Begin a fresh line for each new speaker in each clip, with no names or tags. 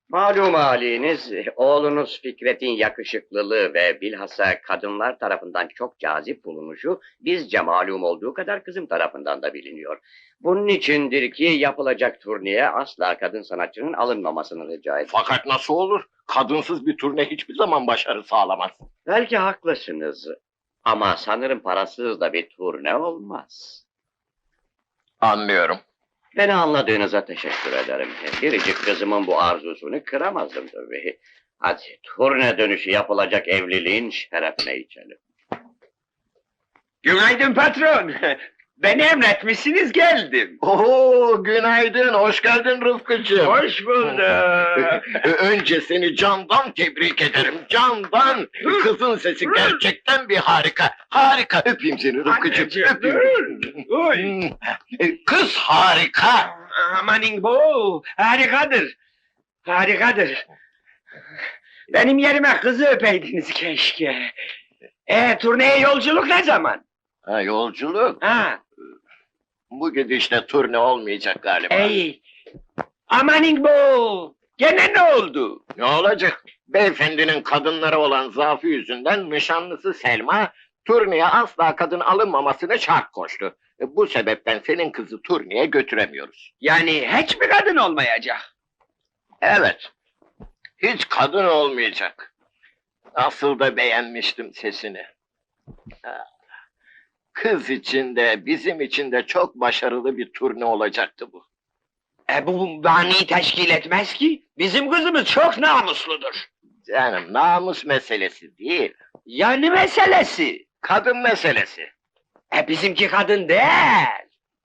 Malum haliniz, oğlunuz Fikret'in yakışıklılığı ve bilhassa kadınlar tarafından çok cazip bulunuşu bizce malum olduğu kadar kızım tarafından da biliniyor. Bunun içindir ki yapılacak turneye asla kadın sanatçının alınmamasını rica ederim.
Fakat nasıl olur? Kadınsız bir turne hiçbir zaman başarı sağlamaz.
Belki haklısınız ama sanırım parasız da bir turne olmaz.
Anlıyorum.
Beni anladığınıza teşekkür ederim. Biricik kızımın bu arzusunu kıramazdım tabii. Hadi turne dönüşü yapılacak evliliğin şerefine içelim.
Günaydın patron. Beni emretmişsiniz geldim.
Oo, günaydın, hoş geldin Rıfkıcığım.
Hoş bulduk.
Önce seni candan tebrik ederim, candan. Kızın sesi gerçekten bir harika. Harika, öpeyim seni Rıfkıcığım,
Anneciğim,
öpeyim.
Oy.
Kız harika.
Amanin bu. Harikadır. Harikadır. Benim yerime kızı öpeydiniz keşke. Turneye yolculuk ne zaman?
Ha, yolculuk.
Ha,
Bu gidişle turne olmayacak galiba.
Amanin bu. Gene ne oldu?
Ne olacak? Beyefendinin kadınlara olan zaafı yüzünden nişanlısı Selma, turneye asla kadın alınmamasını şart koştu. Bu sebepten senin kızı turneye götüremiyoruz.
Yani hiç mi kadın olmayacak?
Evet, hiç kadın olmayacak. Nasıl da beğenmiştim sesini. Kız için de bizim için de çok başarılı bir turne olacaktı bu.
Bu mani teşkil etmez ki. Bizim kızımız çok namusludur.
Canım, namus meselesi değil,
Yani meselesi.
kadın meselesi.
Bizimki kadın değil.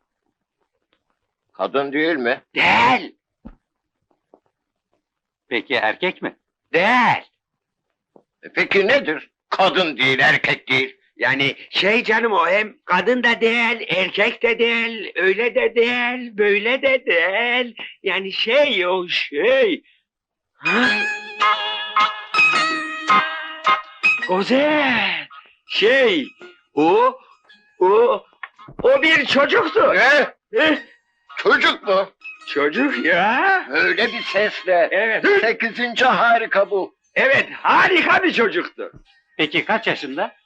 Kadın değil mi?
Değil.
Peki erkek mi?
Değil.
Peki nedir? Kadın değil, erkek değil.
Yani canım o hem kadın da değil, erkek de değil, öyle de değil, böyle de değil. Yani o şey. Ha? Güzel. O, o bir çocuktu.
Ne?
Eh,
Çocuk mu?
Çocuk ya.
Öyle bir sesle.
Evet.
8. harika bu.
Evet, harika bir çocuktu.
Peki kaç yaşında?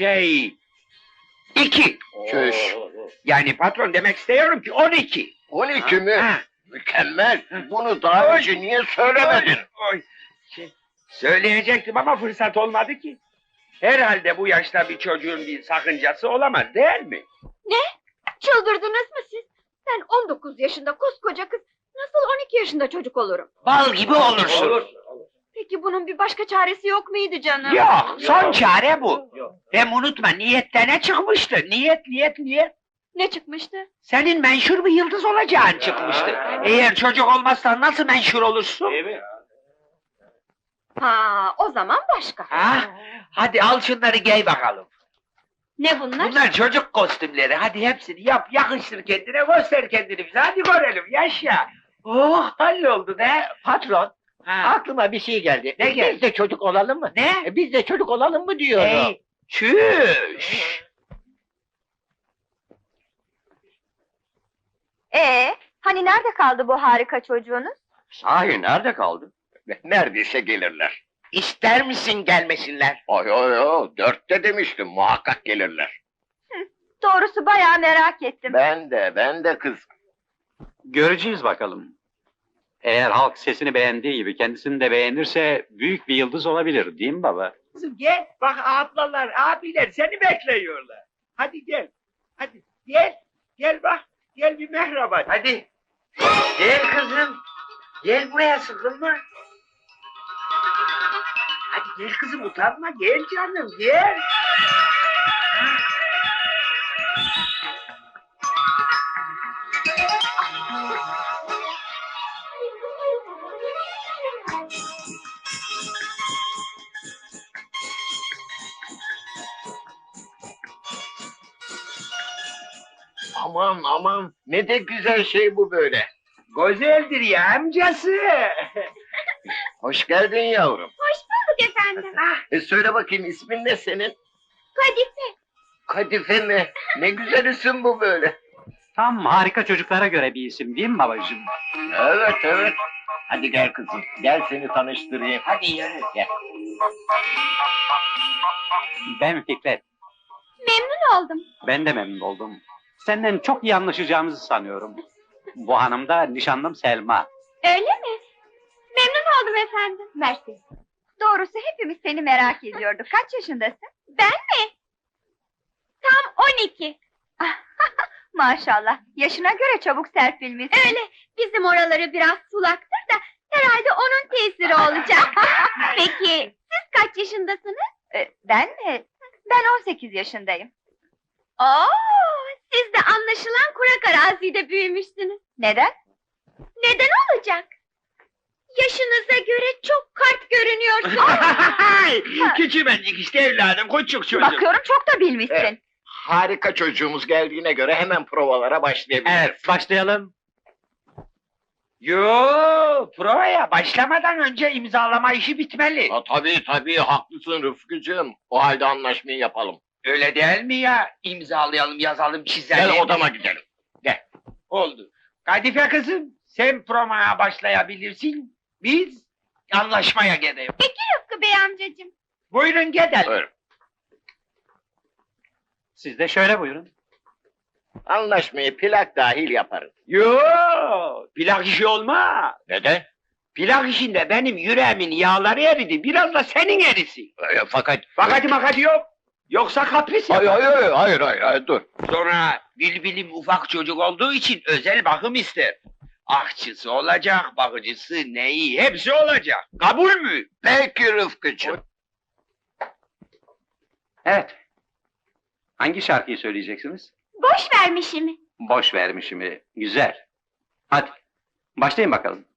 2.
Çüş.
Yani patron demek istiyorum ki 12.
12 mi?
Ha.
Mükemmel. Bunu daha önce niye söylemedin?
Oy. Söyleyecektim ama fırsat olmadı ki. Herhalde bu yaşta bir çocuğun bir sakıncası olamaz değil mi?
Çıldırdınız mı siz? Ben 19 yaşında koskoca kız, nasıl 12 yaşında çocuk olurum?
Bal gibi olursun.
Peki bunun bir başka çaresi yok muydu canım?
Yok, son çare bu. Hem unutma niyette ne çıkmıştı? Niyet.
Ne çıkmıştı?
Senin menşur bir yıldız olacağın çıkmıştı. Eğer çocuk olmazsan nasıl menşur olursun?
Ha, o zaman başka.
Ha? Hadi al şunları giy bakalım.
Ne bunlar?
Bunlar çocuk kostümleri. Hadi hepsini yap, yakıştır kendine, göster kendini bize. Hadi görelim, yaşa. Oh, halloldu ne?
Patron,
Ha.
aklıma bir şey geldi.
Ne geldi?
Biz de çocuk olalım mı?
Ne?
Biz de çocuk olalım mı diyorum.
Hey, çüş.
Hani nerede kaldı bu harika çocuğunuz?
Sahi nerede kaldı?
Neredeyse gelirler.
İster misin gelmesinler?
Ay 4'te demiştim, muhakkak gelirler.
Doğrusu bayağı merak ettim.
Ben de kız.
Göreceğiz bakalım. Eğer halk sesini beğendiği gibi kendisini de beğenirse büyük bir yıldız olabilir, değil mi baba?
Kızım gel, bak ablalar, abiler seni bekliyorlar. Hadi gel, hadi gel bak, gel bir merhaba. Hadi, gel kızım, gel buraya sıkılma. Hadi gel kızım utanma, gel canım, gel.
Aman, ne de güzel şey bu böyle.
Güzeldir ya amcası.
Hoş geldin yavrum.
Bulduk efendim.
Söyle bakayım, ismin ne senin?
Kadife.
Kadife mi? Ne güzel isim bu böyle.
Tam harika çocuklara göre bir isim, değil mi babacığım?
Evet. Hadi gel kızım. Gel seni tanıştırayım.
Hadi yürü.
Gel.
Ben Fikret.
Memnun oldum.
Ben de memnun oldum. Senden çok iyi anlaşacağımızı sanıyorum. Bu hanım da nişanlım Selma.
Öyle mi? Memnun oldum efendim. Mersi. Doğrusu hepimiz seni merak ediyorduk. Kaç yaşındasın? Ben mi? Tam 12. Maşallah. Yaşına göre çabuk serpilmişsin. Öyle. Bizim oraları biraz sulaktır da herhalde onun tesiri olacak. Peki siz kaç yaşındasınız? Ben mi? Ben 18 yaşındayım. Oo, siz de anlaşılan kurak arazide büyümüşsünüz. Neden? Neden olacak? Yaşınıza göre çok kart görünüyorsunuz.
Küçümencik işte evladım, küçük çocuk.
Bakıyorum çok da bilmişsin.
Evet. Harika çocuğumuz geldiğine göre hemen provalara başlayabiliriz.
Evet, başlayalım.
Yo, provaya başlamadan önce imzalama işi bitmeli.
Ha, tabii haklısın Rıfkıcığım. O halde anlaşmayı yapalım.
Öyle değil mi ya? İmzalayalım, yazalım, çizelim.
Gel odama gidelim.
Oldu. Kadife kızım, sen provaya başlayabilirsin. Biz anlaşmaya gidelim.
Rıfkı Bey amcacığım.
Buyurun gidelim.
Buyurun.
Siz de şöyle buyurun.
Anlaşmayı plak dahil yaparız.
Yo, plak işi olmaz.
Neden?
Plak işinde benim yüreğimin yağları eridi. Biraz da senin erisin.
Fakat...
Makati yok. Yoksa kapris
Hayır,
yapar.
hayır, dur.
Sonra Bilbil'im ufak çocuk olduğu için özel bakım ister. Ahçısı olacak, bakıcısı, neyi, hepsi olacak. Kabul mü?
Peki Rıfkıcığım.
Evet. Hangi şarkıyı söyleyeceksiniz?
Boş vermişimi.
Boş vermişimi. Güzel. Hadi, başlayın bakalım.